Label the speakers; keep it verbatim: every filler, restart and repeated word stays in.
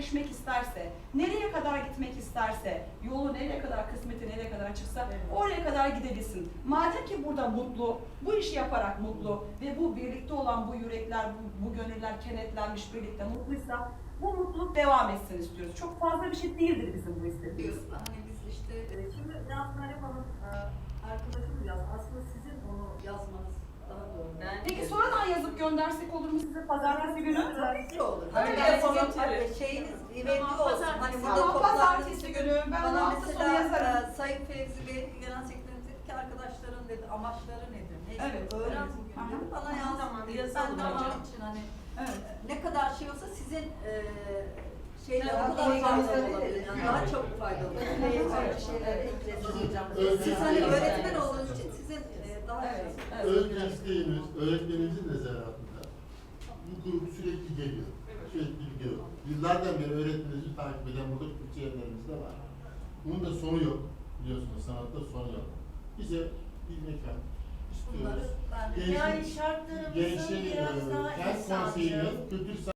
Speaker 1: gerçekleşmek isterse, nereye kadar gitmek isterse, yolu nereye kadar, kısmeti nereye kadar açıksa
Speaker 2: Evet.
Speaker 1: oraya kadar gidebilsin. Madem ki burada mutlu, bu işi yaparak mutlu ve bu birlikte olan bu yürekler, bu, bu gönüller kenetlenmiş birlikte mutluysa bu mutluluk devam etsin istiyoruz. Çok fazla bir şey değildir bizim bu istediğimiz.
Speaker 3: Diyorsun. Hani biz işte
Speaker 2: Ee, Şimdi Nazım Hanım e, arkadaşım yaz. Aslında sizin onu
Speaker 3: yazmanız daha doğru.
Speaker 2: Ben-
Speaker 1: Peki sonradan yazıp göndersek olur mu size pazartesi günü?
Speaker 3: Tabii ki olur.
Speaker 1: Öyle
Speaker 3: Öyle
Speaker 1: yapalım.
Speaker 3: yapalım. Hani şeyiniz ivedi
Speaker 2: Tamam,
Speaker 3: olsun.
Speaker 2: pazartesi.
Speaker 3: Hani burada
Speaker 1: Tamam,
Speaker 3: toplantı
Speaker 1: pazartesi günü ben
Speaker 3: bana
Speaker 1: hafta sonu
Speaker 3: mesela
Speaker 1: yazarım.
Speaker 3: e, Sayın Fevzi Bey, Genel Sekreterimiz dedi ki arkadaşların dedi amaçları nedir? Neyse
Speaker 1: Evet,
Speaker 3: öğren
Speaker 1: evet.
Speaker 3: bugün
Speaker 1: Aha.
Speaker 3: dedi. Bana
Speaker 2: Tamam,
Speaker 3: yaz.
Speaker 2: tamam,
Speaker 3: Ben
Speaker 2: yazalım
Speaker 3: de
Speaker 2: hocam.
Speaker 3: onun için hani
Speaker 1: Evet.
Speaker 3: ne kadar şey olsa sizin e, şeyler
Speaker 2: Evet,
Speaker 3: o kadar
Speaker 2: evet,
Speaker 3: faydalı
Speaker 2: evet.
Speaker 3: olabilir. Yani daha çok faydalı olur.
Speaker 2: Böyle şeyler eklesiniz hocam.
Speaker 3: Siz hani öğretmen olduğunuz için sizin e, daha
Speaker 1: Evet,
Speaker 3: şey.
Speaker 1: evet.
Speaker 4: Öğretmen isteğimiz, öğretmenimizin de zanaatında bu grup sürekli geliyor. Sürekli geliyor. Yıllardan beri öğretmenimizi takip eden burada Türkçeyenlerimiz de var. Bunun da sonu yok. Biliyorsunuz sanatta sonu yok. Bize bir mekan
Speaker 3: Bunları
Speaker 4: istiyoruz.
Speaker 3: ben
Speaker 4: Gençlik-
Speaker 2: Yani şartlarımızın
Speaker 4: Gençliğin,
Speaker 2: biraz
Speaker 4: e,
Speaker 2: daha
Speaker 4: kent
Speaker 2: insancıl.
Speaker 4: konseyinin kültür